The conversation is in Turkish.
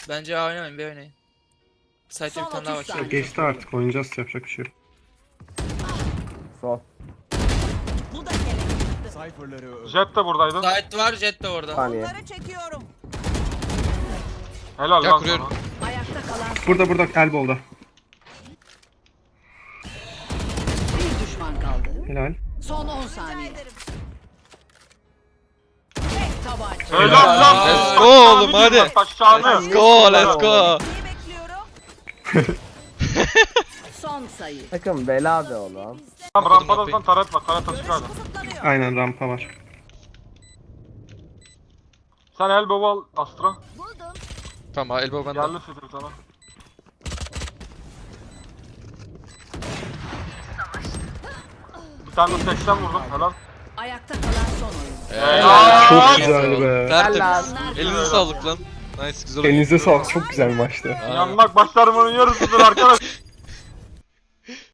Bence A oynamayın, B oynayın. Site'de bir Son tane daha 30 var. saniye. Geçti artık, oynayacağız, yapacak bir şey yok. Sol. Bu da gerekli. Cypher'ları öldü. Jet de buradaydı. Site var, Jet de orada. Saniye. Onları çekiyorum. Helal Ya lan kuruyorum. sana. Ayakta kalan Burada Elbow'da. bir düşman kaldı. Helal. Son 10 saniye. Tek tabanca. Helal lan. Let's go oğlum, hadi. Aşağını. Let's go, let's go. Neyi bekliyorum? Son sayı. Takım bela be oğlum. Tamam rampadan taret var. Taret açık hala. Kısıtlanıyor. Aynen, rampa var. Sen elbow al Astra. Tamam, elbow bende. Geldi sidir sana. Bir tane de 80 vurdum. Helal. Ayakta kalan son oyun. Helal. Çok güzel be. Tertemiz. Helal. Elinize sağlık lan. Nice, güzel oyun. Elinize sağlık, çok güzel bir maçtı. Aynen. Yanmak başlarımın yarısıdır arkadaş.